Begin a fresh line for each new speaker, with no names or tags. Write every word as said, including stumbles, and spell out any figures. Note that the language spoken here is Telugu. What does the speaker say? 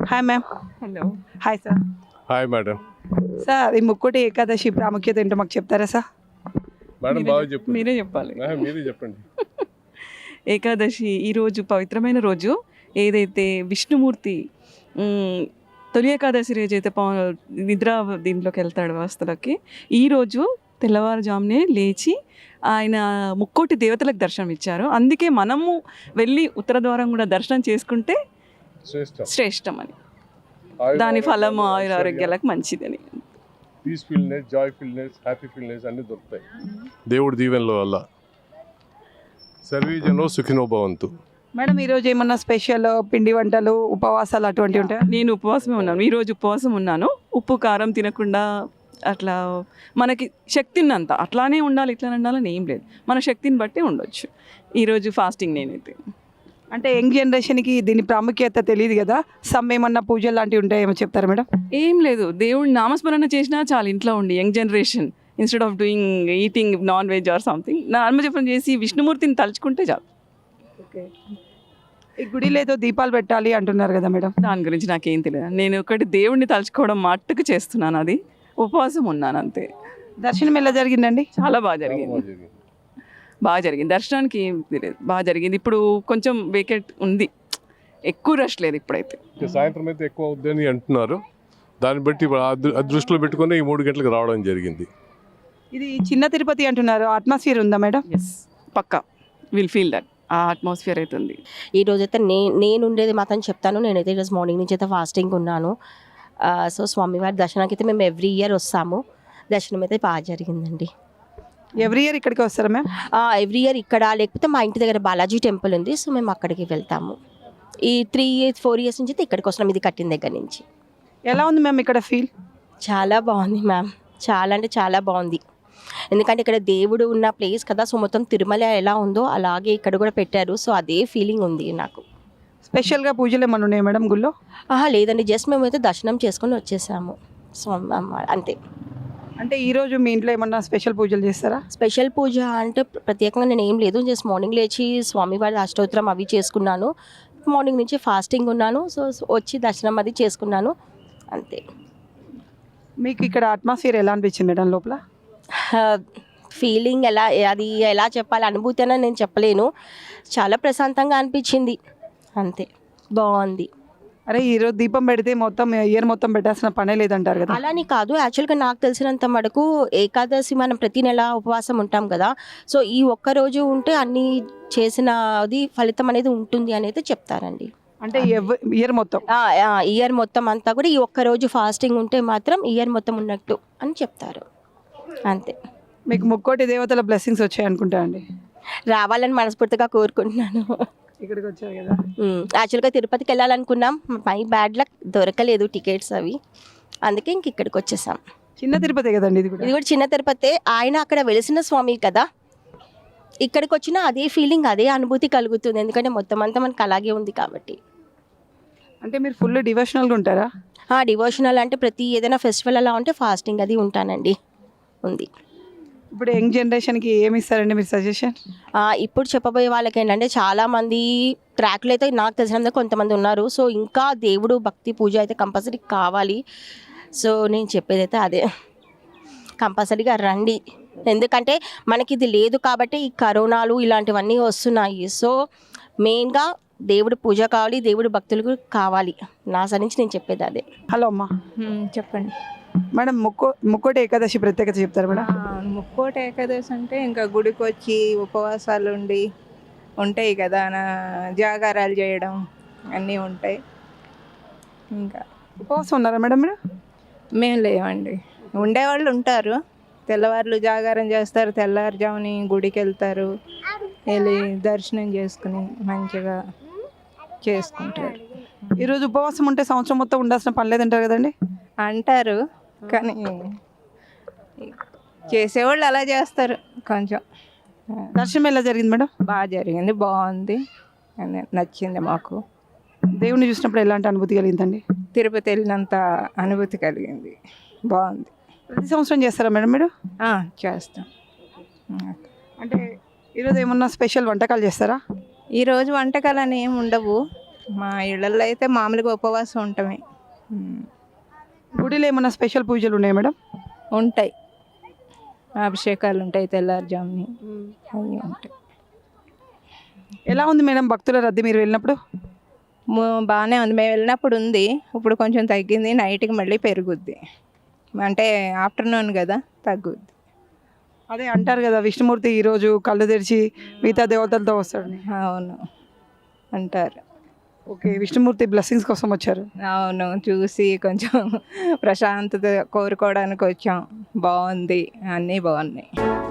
Hi ma'am.
Hello.
Hi sir.
Hi madam.
Sir ఈ ముక్కోటి ఏకాదశి ప్రాముఖ్యత ఏంటో మాకు చెప్తారా సార్?
మేడం బాగా చెప్పండి.
మీరే చెప్పాలి.
మీరే చెప్పండి.
ఏకాదశి ఈరోజు పవిత్రమైన రోజు. ఏదైతే విష్ణుమూర్తి మ్, తొలి ఏకాదశి రోజు అయితే పవ నిద్ర దీంట్లోకి వెళ్తాడు వ్యవస్థలోకి. ఈరోజు తెల్లవారుజామునే లేచి ఆయన ముక్కోటి దేవతలకు దర్శనం ఇచ్చారు. అందుకే మనము వెళ్ళి ఉత్తర ద్వారం కూడా దర్శనం చేసుకుంటే
శ్రేష్టం.
శ్రేష్టం అని, దాని ఫలము ఆయుర ఆరోగ్యాలకు మంచిదని.
పీస్ఫుల్నెస్, జాయ్ఫుల్నెస్, హ్యాపీఫుల్నెస్ అన్నీ దొరుకుతాయి దేవుడి దీవెనల వల్ల. సర్వీజనో సుఖినో భవంతు.
మేడం ఈరోజు ఏమన్నా స్పెషల్ పిండి వంటలు ఉపవాసాలు అటువంటివి ఉంటాయా?
నేను ఉపవాసమే ఉన్నాను. ఈరోజు ఉపవాసం ఉన్నాను. ఉప్పు కారం తినకుండా అట్లా మనకి శక్తి ఉన్నంత అట్లానే ఉండాలి, ఇట్లా ఉండాలని ఏం లేదు, మన శక్తిని బట్టి ఉండొచ్చు. ఈరోజు ఫాస్టింగ్ నేనైతే.
అంటే యంగ్ జనరేషన్కి దీని ప్రాముఖ్యత తెలియదు కదా, సమ్ ఏమన్నా పూజలు లాంటివి ఉంటాయేమో చెప్తారా మేడం?
ఏం లేదు, దేవుడి నామస్మరణ చేసినా చాలు ఇంట్లో ఉండి. Young generation instead of doing eating non veg or something, నామజపం చేసి విష్ణుమూర్తిని తలుచుకుంటే చాలు.
ఓకే. ఈ గుడిలో ఏదో దీపాలు పెట్టాలి అంటున్నారు కదా మేడం?
దాని గురించి నాకేం తెలియదు. నేను ఒకటి దేవుడిని తలుచుకోవడం మట్టుకు చేస్తున్నాను, అది ఉపవాసం ఉన్నాను అంతే.
దర్శనం ఎలా జరిగిందండి?
చాలా బాగా జరిగింది, బాగా జరిగింది. దర్శనానికి ఏం తెలియదు, బాగా జరిగింది. ఇప్పుడు కొంచెం వేకెట్ ఉంది, ఎక్కువ రష్ లేదు ఇప్పుడైతే.
సాయంత్రం అయితే ఎక్కువ అవుద్దని అంటున్నారు. దాన్ని బట్టి ఆ దృ- ఆ దృష్టిలో పెట్టుకుని ఈ మూడు గంటలకు రావడం జరిగింది.
ఇది చిన్న తిరుపతి అంటున్నారు, అట్మాస్ఫియర్ ఉందా మేడం?
ఎస్, పక్కా విల్ ఫీల్ దట్ ఆ అట్మాస్ఫియర్ అయితే ఉంది.
ఈ రోజైతే నే నేను ఉండేది మాత్రం చెప్తాను. నేనైతే ఈరోజు మార్నింగ్ నుంచి అయితే ఫాస్టింగ్ ఉన్నాను. సో స్వామివారి దర్శనానికి అయితే మేము ఎవ్రీ ఇయర్ వస్తాము. దర్శనం అయితే బాగా జరిగిందండి.
ఎవ్రీ ఇయర్ ఇక్కడికి వస్తారా మ్యామ్?
ఎవ్రీ ఇయర్ ఇక్కడ, లేకపోతే మా ఇంటి దగ్గర బాలాజీ టెంపుల్ ఉంది, సో మేము అక్కడికి వెళ్తాము. ఈ త్రీ ఇయర్స్ ఫోర్ ఇయర్స్ నుంచి అయితే ఇక్కడికి వస్తున్నాం, ఇది కట్టిన దగ్గర నుంచి.
ఎలా ఉంది మ్యామ్ ఇక్కడ ఫీల్?
చాలా బాగుంది మ్యామ్, చాలా అంటే చాలా బాగుంది. ఎందుకంటే ఇక్కడ దేవుడు ఉన్న ప్లేస్ కదా, సో మొత్తం తిరుమల ఎలా ఉందో అలాగే ఇక్కడ కూడా పెట్టారు. సో అదే ఫీలింగ్ ఉంది నాకు.
స్పెషల్గా పూజలు ఏమన్నా ఉన్నాయా మేడం గుళ్ళో?
ఆహా లేదండి, జస్ట్ మేమైతే దర్శనం చేసుకొని వచ్చేసాము. సో అంతే.
అంటే ఈరోజు మీ ఇంట్లో ఏమన్నా స్పెషల్ పూజలు చేస్తారా?
స్పెషల్ పూజ అంటే ప్రత్యేకంగా నేను ఏం లేదు, జస్ట్ మార్నింగ్ లేచి స్వామివారి అష్టోత్తరం అవి చేసుకున్నాను. మార్నింగ్ నుంచి ఫాస్టింగ్ ఉన్నాను, సో వచ్చి దర్శనం అది చేసుకున్నాను అంతే.
మీకు ఇక్కడ అట్మాస్ఫియర్ ఎలా అనిపించింది మేడం లోపల?
ఫీలింగ్ ఎలా, అది ఎలా చెప్పాలి, అనుభూతి అని నేను చెప్పలేను. చాలా ప్రశాంతంగా అనిపించింది అంతే, బాగుంది.
అరే ఈరోజు దీపం పెడితే మొత్తం ఇయర్ మొత్తం పెట్టాల్సిన పనే లేదంటారు కదా?
అలాని కాదు, యాక్చువల్గా నాకు తెలిసినంత మటుకు ఏకాదశి మనం ప్రతి నెల ఉపవాసం ఉంటాం కదా, సో ఈ ఒక్క రోజు ఉంటే అన్ని చేసినది ఫలితం అనేది ఉంటుంది అనేది చెప్తారండి.
అంటే ఇయర్ మొత్తం
ఇయర్ మొత్తం అంతా కూడా ఈ ఒక్క రోజు ఫాస్టింగ్ ఉంటే మాత్రం ఇయర్ మొత్తం ఉన్నట్టు అని చెప్తారు అంతే.
మీకు ముక్కోటి దేవతల బ్లెస్సింగ్స్ వచ్చాయి అనుకుంటా అండి?
రావాలని మనస్ఫూర్తిగా కోరుకుంటున్నాను.
ఇక్కడికి వచ్చారు కదా?
యాక్చువల్గా తిరుపతికి వెళ్ళాలనుకున్నాం, మై బ్యాడ్ లక్ దొరకలేదు టికెట్స్ అవి, అందుకే ఇంక ఇక్కడికి వచ్చేసాం.
చిన్న తిరుపతి కదండి ఇది కూడా?
ఇది కూడా చిన్న తిరుపతి, ఆయన అక్కడ వెలిసిన స్వామి కదా, ఇక్కడికి వచ్చినా అదే ఫీలింగ్ అదే అనుభూతి కలుగుతుంది, ఎందుకంటే మొత్తం అంతా మనకు అలాగే ఉంది కాబట్టి.
అంటే మీరు ఫుల్ డివోషనల్గా ఉంటారా?
డివోషనల్ అంటే ప్రతి ఏదైనా ఫెస్టివల్ అలా ఉంటే ఫాస్టింగ్ అది ఉంటానండి, ఉంది.
ఇప్పుడు యంగ్ జనరేషన్కి ఏమి ఇస్తారండి మీరు సజెషన్?
ఇప్పుడు చెప్పబోయే వాళ్ళకి ఏంటంటే చాలామంది ట్రాక్లు అయితే నాకు తెలిసినందుకు కొంతమంది ఉన్నారు, సో ఇంకా దేవుడు భక్తి పూజ అయితే కంపల్సరీ కావాలి. సో నేను చెప్పేది అయితే అదే, కంపల్సరీగా రండి, ఎందుకంటే మనకి ఇది లేదు కాబట్టి ఈ కరోనాలు ఇలాంటివన్నీ వస్తున్నాయి. సో మెయిన్గా దేవుడు పూజ కావాలి, దేవుడు భక్తులకు కావాలి, నా సరి నుంచి నేను చెప్పేది అదే.
హలో అమ్మా.
చెప్పండి
మేడం, ముక్కో ముక్కోటి ఏకాదశి ప్రత్యేకత చెప్తారు మేడం?
ముక్కోటి ఏకాదశి అంటే ఇంకా గుడికి వచ్చి ఉపవాసాలు ఉండి ఉంటాయి కదా, నా జాగారాలు చేయడం అన్నీ ఉంటాయి. ఇంకా
ఉపవాసం ఉన్నారా మేడం మీరు?
మేము లేవండి, ఉండేవాళ్ళు ఉంటారు, తెల్లవారులు జాగారం చేస్తారు, తెల్లవారుజాముని గుడికి వెళ్తారు, వెళ్ళి దర్శనం చేసుకుని మంచిగా చేసుకుంటారు.
ఈరోజు ఉపవాసం ఉంటే సంవత్సరం మొత్తం ఉండాల్సిన పని లేదంటారు కదండి?
అంటారు, కానీ చేసేవాళ్ళు అలా చేస్తారు. కొంచెం
దర్శనం ఎలా జరిగింది మేడం?
బాగా జరిగింది, బాగుంది, నచ్చింది మాకు.
దేవుని చూసినప్పుడు ఎలాంటి అనుభూతి కలిగిందండి?
తిరుపతి వెళ్ళినంత అనుభూతి కలిగింది, బాగుంది.
ప్రతి సంవత్సరం చేస్తారా మేడం మీరు?
చేస్తాం.
అంటే ఈరోజు ఏమన్నా స్పెషల్ వంటకాలు చేస్తారా?
ఈరోజు వంటకాలు అని ఏమి ఉండవు, మా ఇళ్ళల్లో అయితే మామూలుగా ఉపవాసం ఉంటామే. ఉమ్.
గుడిలో ఏమైనా స్పెషల్ పూజలు ఉన్నాయా మేడం?
ఉంటాయి, అభిషేకాలు ఉంటాయి తెల్లారుజాముని, అవి ఉంటాయి.
ఎలా ఉంది మేడం భక్తుల రద్దీ మీరు వెళ్ళినప్పుడు?
ము- బాగానే ఉంది, మేము వెళ్ళినప్పుడు ఉంది, ఇప్పుడు కొంచెం తగ్గింది, నైట్కి మళ్ళీ పెరుగుద్ది, అంటే ఆఫ్టర్నూన్ కదా తగ్గుద్ది.
అదే అంటారు కదా విష్ణుమూర్తి ఈరోజు కళ్ళు తెరిచి మిగతా దేవతలతో వస్తాడని.
అవును అంటారు.
ఓకే, విష్ణుమూర్తి బ్లెస్సింగ్స్ కోసం వచ్చారు.
అవును, చూసి కొంచెం ప్రశాంతత కోరుకోవడానికి వచ్చాం. బాగుంది, అన్నీ బాగున్నాయి.